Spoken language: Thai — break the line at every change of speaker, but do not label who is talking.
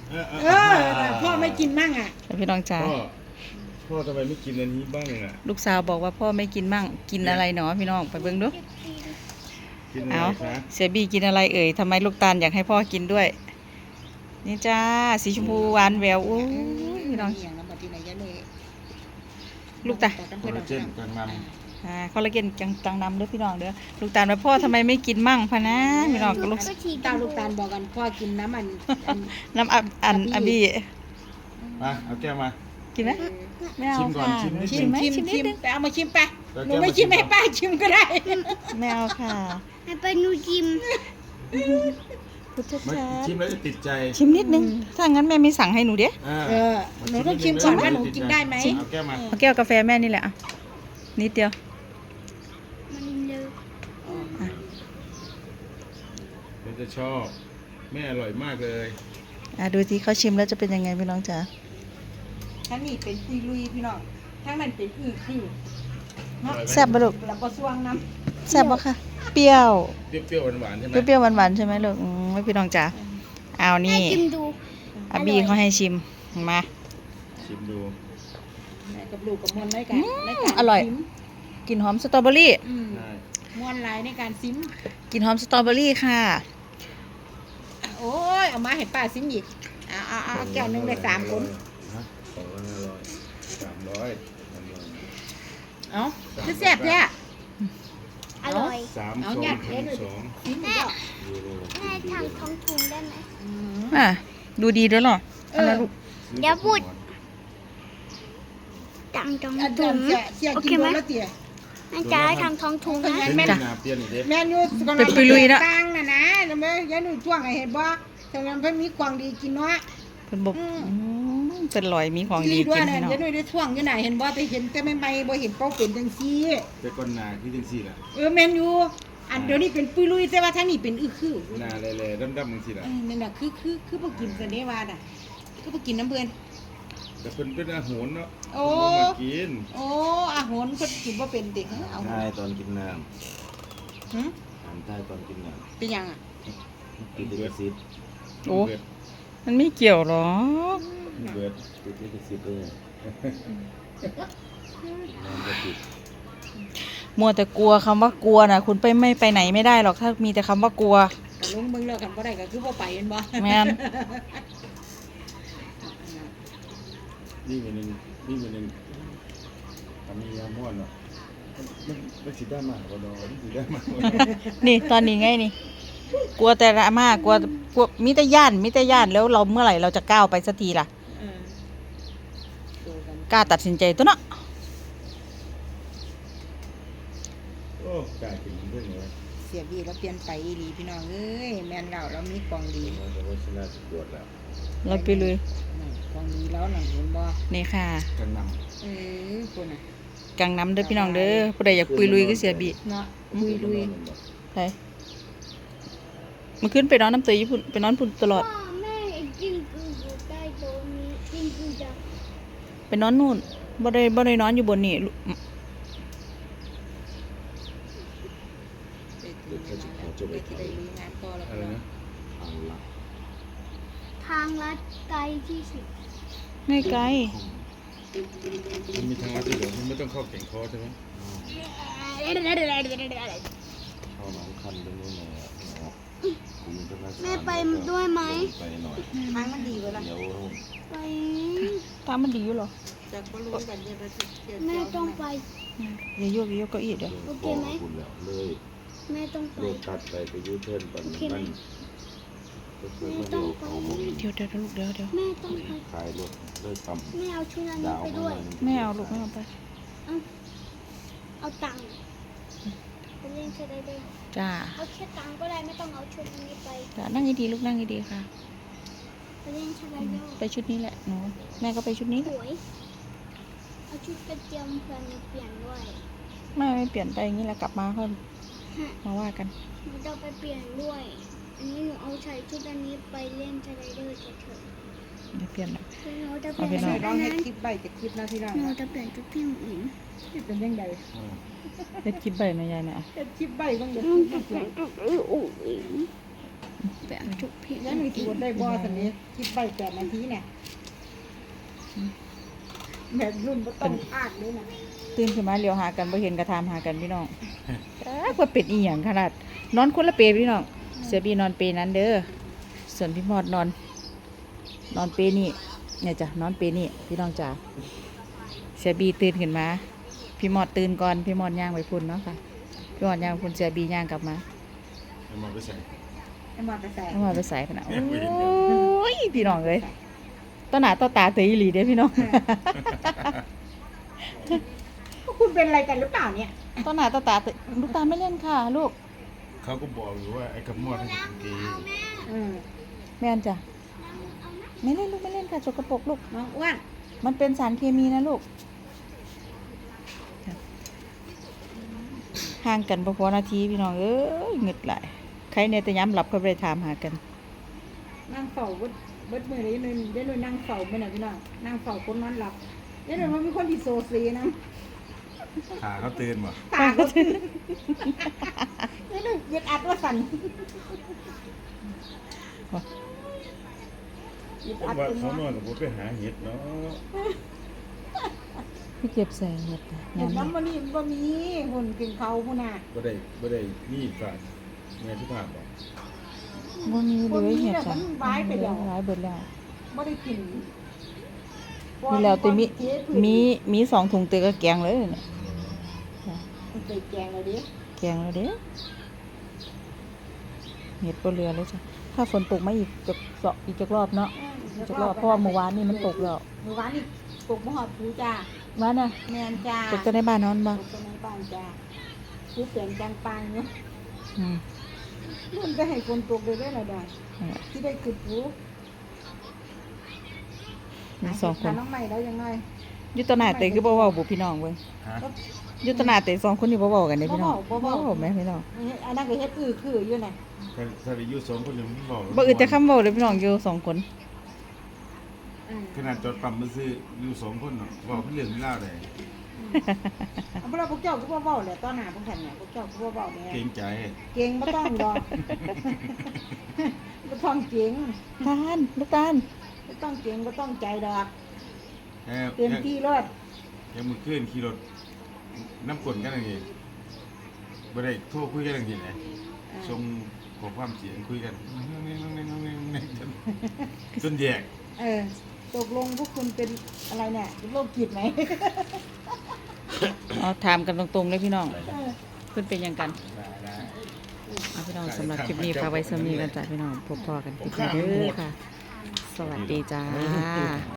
พ่อไม่กินมั่งอ่ะ
พี่น้องจ๋า
พ่อทำไมไม่กินอันนี้บ้างอ่ะ
ลูกสาวบอกว่าพ่อไม่กินมั่งกินอะไรหนอพี่น้องไปเบิ่งดู
กินอะไรคะ
เสียบีกินอะไรเอ่ยทำไมลูกตาลอยากให้พ่อกินด้วยนี่จ้าสีชมพูหวานแหววอู้พี่น้องลูกตา
คอลลาเจนกังน
คอลลาเจนจังนำเด้อพี่น้องเด้อลูกตาลว่าพ่อทำไมไม่กินมั่งพะนะพี่น้องก็ลูก
ตาลบอกกันพ่อกินน้ำ
น้ำอันบี
มาเอาแก้วมา
กินไหมไม่เอาค่ะชิม
ไปเอามาชิมไปหนูไม่ชิมให้ป้าชิมก็ได้
ไม่เอาค่ะ
ให้ไปหนูชิม
ชิมแล้วจะติดใจ
ชิมนิดนึงถ้างั้นแม่ไม่สั่งให้หนูเด้
หนูต้องชิมก่อนว่าหนูกินได้ไหม
เอาแก้วมา
เอาแก้วกาแฟแม่นี่แหละนิดเดียว
มันจะชอบแม่อร่อยมากเลย
ดูที่เขาชิมแล้วจะเป็นยังไงพี่น้องจ๋า
ทั้งนี้เป็นปุยลุยพี่น้องทั้งนั้นเป็นคือ
แซ่บปะลูก
แล้วก็สวงน้
ำแซ่บปะค่ะเปรี้ยว
หวานใช่ไหม
เปรี้ยวหวานใช่ไหมลูกไม่พี่น้องจ๋าเอานี่อาบีเขาให้ชิมมา
ชิมดู
กับลูกกับมวลในการ
อร่อยกลิ่นหอมสตรอเบอรี่
มวลลายในการซิม
กลิ่นหอมสตรอเบอรี่ค่ะ
โอ้ยเอามาให้ป้าซิมอีกเอาแก้วนึงได้3 คน
2,500
เอาคือแซ่บแท้
อร่อย
เอาเนี่ยซิมอีก
แม่ทางท้องถุงได้ไหม
ดูดีด้วยหรอ
เดี๋ยวพูดทางท้องถุงโอเคไหมแม่จ๋าทางท้องถุงนะ
แม่ยู
เป็นปุยลุยนะ
ตั้งนะแม่ยันหนูช่วงเห็นบ่ตรงนั้นเพิ่นมีของดีกินเนาะ
เป็นบอกเป็นลอยมีของดีกิน
พี่น้องยันหนูได้ช่วงอยู่ไหนเห็นบ่แต่เห็นแต่ไม่บ่เห็นเป้าเป็นจังซี่
แต่ก้อนนาที่จังซี่ล่ะ
แม่ยูอันเดี๋ยวนี้เป็นปุยลุยแต่ว่าทางนี้เป็นคือ
นาแหล่ๆดำๆจังซี่ล่ะ
นั่นน่ะคือบ่กินซะเด้ว่าน่ะคือบ่กินน้ำเพิ่น
แต่เพิ่นเป็นอาหารเนาะ
มา
กิน
อาหารเพิ่นกินบ่เป็นเด็กเอา
ใช่ตอนกินน้ำใต้ตอนกินน้ำ
เป็นยังอ่ะ
ติดลิขสิทธิ์
มันไม่เกี่ยวหรอ
เบิดติดลิขสิทธิ์เลย
มัวแต่กลัวคำว่ากลัวนะคุณไม่ไปไหนไม่ได้หรอกถ้ามีแต่คำว่ากลัว
ลุงเบิ่งเลิกกันบ่ได้ก็คือบ่ไปเห็นบ่
แม่น
นี่เป็นทำมียาม่วนเนาะมันสิได้มากกว่าดอกมันสิได้มาก
นี่ตอนนี้ไงนี่กลัวแต่ละมากกลัวมิตรย่านแล้วเราเมื่อไหร่เราจะก้าวไปสักทีล่ะกล้าตัดสินใจตัวเนาะ
โอ้กล้ากินเรื่องนี้
เสียบีแล้วเปลี่ยนไปอีหลีพี่น้องเอ้ยแม่นเรามีกองดี
เราไปเลย
กองดีแล้วหนังเห็นบ่
นี่ค่ะ
กังนำ
คุณน่ะ
กังนำเด้อพี่น้องเด้อผู้ใดอยากปุยลุยก็เสียบี
เนาะปุยลุย
ใช่มันขึ้นไปนอนน้ำเตยญี่ปุ่นไปนอนปุ่นตลอด
แม่จิ้งกืออยู่ใต้โต๊ะนี้จิ้งกือจะ
ไปนอนนู่นบ่ได้นอนอยู่บนนี่
ทางลัดไกลที่สุด
ไม่ไกล
มันมีทางลัดที่เดี๋ยวมันไม่ต้องเข้าแก่งคอใช่ไหมเข้าหนองคันตรงนู้น
แม่ไปด้วยไหม
ไปหน่อย
ทางมันดีกว่าล่ะ
ไป
ทางมันดีอยู่หรอ
จากบ่รู้กัน
แม่ต้องไป
อย่าโยกเก้าอี้เดี๋ยว
โอเคไหมแม่ต้องไป
ตัดไปยูเทิร์นก่อนมัน
แม่ต้องไป
เดี๋ยวลูกเดี๋ยว
แม่ต้องไป
ขายรถเลิกทำ
แม่เอาชุดนี้ไปด้วย
ไม่เอาลูกไม่เอาไป
เอาตังค์ไปเล่นสไลเดอร์
จ้า
เอาแค่ตังค์ก็ได้ไม่ต้องเอาชุดนี้ไป
จ้านั่งดีลูกนั่งดีค่ะ
ไปเล่นสไลเดอร์
ไปชุดนี้แหละหนูแม่ก็ไปชุดนี้
สวยเอาชุดกระเจียมเพื่อนเปลี่ยนด้วย
ไม่เปลี่ยนไปอย่างนี้แหละกลับมาค่อยมาว่ากัน
หนูจะไปเปลี่ยนด้วยอันนี้หนูเอาใส่ชุดอันนี้ไปเล่นสไลเดอร์เฉย
ๆเดี๋ยวเปลี่ยนนะ
หนูจะเปลี่ยนชุด
น้องให้คลิปใบจะคลิปนะที่เรา
หนูจะเปลี่ยนชุดพี่หญิง
เป็นยังไง
เฮ็ดคลิปใบแม่ยายเนี่ย
เฮ็ดคลิปใบบ้างเดี๋ยว
เปลี่ยนชุดพี่หญิงไปเอาชุบพี่
แล้วหนูคิดได้บ่สันนี้คิดไป8 นาทีเนี่ยแบบรุ่นบ่ต้องพากเลยนะ
ตื่นขึ้นมาเลี้ยวหากันบ่เห็นกระทามหากันพี่น้องว่าเป็ดอีหยังขนาดนอนคนละเปรพี่น้องเสือบีนอนเปรนั้นเด้อส่วนพี่มอดนอนเปรนี่เนี่ยจ้ะนอนเปรนี่พี่น้องจ๋าเสือบีตื่นขึ้นมาพี่มอดตื่นก่อนพี่มอดย่างไปพุ่นเนาะค่ะพี่มอดย่างไปพุ่นเสือบีย่างกลับมา
เอามาไปใส่
ให้มาไปใส่
เอามาไปใส่พะนะโอ้ยพี่น้องเลยต้นหน้าต้นตาเตยอีหลีเด้อพี่น้อง
คุณเป็นอะไรกันหรือเปล่าเนี่ย
ต้นหน้าต้นตาเตยลูกตาไม่เล่นค่ะลูก
เขาก็บอกอยู่ว่าไอ้กำมอดให้เป็นเกย์
แม่นจ้ะไม่เล่นลูกไม่เล่นค่ะสกปรกลูก
น้องอ้วน
มันเป็นสารเคมีนะลูกห่างกันบ่พอนาทีพี่น้องเอ้ยเหงึดหลายใครเนี่ยแต่ย้ำหลับก็ไปถามหากัน
นั่งเฝ้าเบิดมือเลยนึงได้เลยนั่งเฝ้าไปหน่อยพี่น้องนั่งเฝ้าคนนอนหลับได้เลยมันมีคนที่โซซีนะ
ขาเขาตื่นบ่
ตาก็ตื่นได้เลยยึดอัดว่าสั่นยึดอัด
ว่า
เป็น
เขานอ
ว่าน
กับผมไปหาเห็ดเนาะ
พี่เก็บใส่เห็ด
เห็น
ยำ
น้ำมันนี่บ่มีหุ่นกินเขาพุ่นน่ะ
บ่ได้นี่ฝาดแม่ที่ผ่านบอก
บ่มีเลยเห็ด
แต่
จ้ะ
มันร้ายไปแล้ว
ร้ายเบิดแล้ว
บ่ได้กิน
มีแล้วแต่มี2 ถุงเตยก็แกงเลยเนี่ย
มันเคยแกงเลยดิ
แกงแล้วเด้อเห็ดบ่เรือเลยจ้ะถ้าฝนตกมาอีกจักรอบเนาะจักรอบเพราะว่าเมื่อวานนี่มันตกแล้ว
เมื่อวานนี่ตกมหอดผูจ้า
ว่าน่ะ
แมนจ้า
ตกจะในบ้านนอนบ่
ตกในบ้านจ้าผู้เสียงจังปังเนาะ
อืม
มันก็ให้คนตกเลยได้หน่อยได้ที่ได้คือผู
มี2 คน
น้องใหม่แล้วยังไง
อยู่ตวหน้าเตยคือบ่เว้าบ่พี่น้องเว้ย
ฮะ
อยู่ตวหน้าเตย2 คนนี่บ่เว้ากันเด้พี่น้อง
บ่เว้า
แม่พี่น้อง
อันนั้นก็เฮ็ดคืออยู่น่ะ
ถ้าได้อยู่2 คนยังไม่บอก
บ่อึดจะคำเว้าเลยพี่น้องอยู่2 คน
ขนาดจอดปั๊มมาซื้ออยู่2 คนเนาะบอกเรื่องไม่เล่าได้
เอาพวกเราพวกเจ้าก็บ่เว้าแหละตอนหน้าพวกฉันเนี่ยพวกเจ้าก็บ่เว้าแน่
เกรงใจ
เก่งบ่ต้องดอกบ่ต้องเก่ง
ตาลลูกตาล
บ่ต้องเก่งบ่ต้องใจดอก
แค่
เต็มที่รถ
ยังมือขึ้นขี่รถน้ำกลนกันอย่างนี้บ่ได้โทรคุยกันอย่างนี้เลยส่งขอความเสียงคุยกันจนแยก
ตกลงพวกคุณเป็นอะไรเนี่ยโรคจิตไหม
เอาถามกันตรงๆเลยพี่น้องเพิ่นเป็นหยังกันเอาพี่น้องสำหรับคลิปนี้ฝากไว้สำนี้กันจ้ะพี่น้องพบพอกันคลิปหน้าเด้อค่ะ สวัสดีจ้า